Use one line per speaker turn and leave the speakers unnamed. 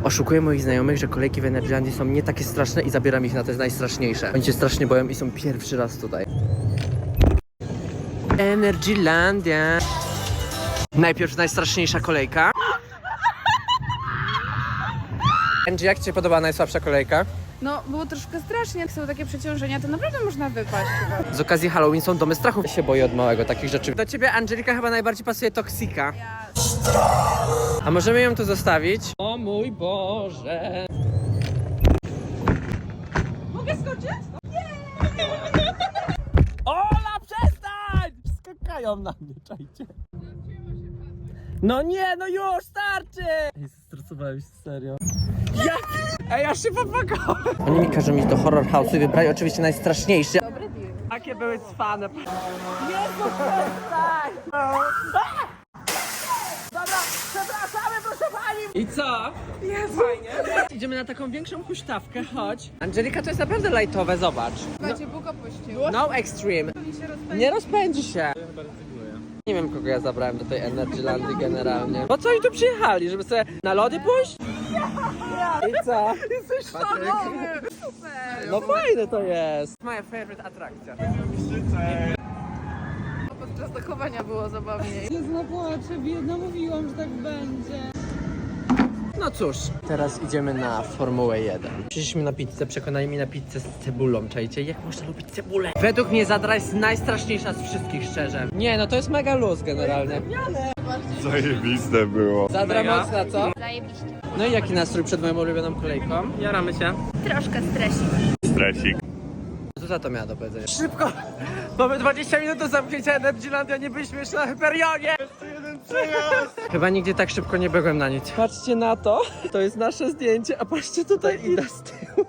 Oszukuję moich znajomych, że kolejki w Energylandii są nie takie straszne i zabieram ich na te najstraszniejsze. Oni się strasznie boją i są pierwszy raz tutaj. Energylandia. Najpierw najstraszniejsza kolejka. Angie, jak ci się podoba najsłabsza kolejka?
No, było troszkę strasznie, jak są takie przeciążenia, to naprawdę można wypaść chyba.
Z okazji Halloween są domy strachu. Ja się boję od małego takich rzeczy. Do ciebie, Angelika, chyba najbardziej pasuje Toksika. A możemy ją tu zostawić? O mój Boże.
Mogę skoczyć?
Ola, przestań! Skakają na mnie, czajcie. No nie, no już, starczy! Ej, stresowałem się, serio. Jak? Ej, ja się popakałem. Oni mi każą iść do horror house'u i wybrali oczywiście najstraszniejszy.
Dobry deal.
Jakie były cwane. Jezu, przestań! Dobra, przepraszamy, proszę pani! I co?
Jezu.
Fajnie. Idziemy na taką większą huśtawkę, chodź. Angelika, to jest naprawdę lajtowe, zobacz.
Słuchajcie, Bóg opuścił.
No extreme. Nie rozpędzi się. Nie wiem, kogo ja zabrałem do tej Energylandii generalnie. Po co oni tu przyjechali? Żeby sobie na lody pójść? I co?
Jesteś szalony! Super!
No fajne to jest. Moja favorite atrakcja.
Podczas dochowania było zabawniej.
Jezu, płaczę, biedna, mówiłam, że tak będzie.
No cóż, teraz idziemy na Formułę 1. Przyszliśmy na pizzę, przekonali mnie na pizzę z cebulą, czajcie? Jak można lubić cebulę? Według mnie Zadra jest najstraszniejsza z wszystkich, szczerze. Nie, no to jest mega luz generalnie.
Zajebiste było.
Zadra mocna, co?
Zajebiście.
No i jaki nastrój przed moją ulubioną kolejką? Jaramy się.
Troszkę stresik.
Stresik.
Co za to miała do powiedzenia? Szybko! Mamy 20 minut do zamknięcia Energylandia, nie byliśmy jeszcze na Hyperionie! Jeszcze jeden przejazd! Chyba nigdy tak szybko nie byłem na nic. Patrzcie na to, to jest nasze zdjęcie, a patrzcie tutaj Ida z tyłu.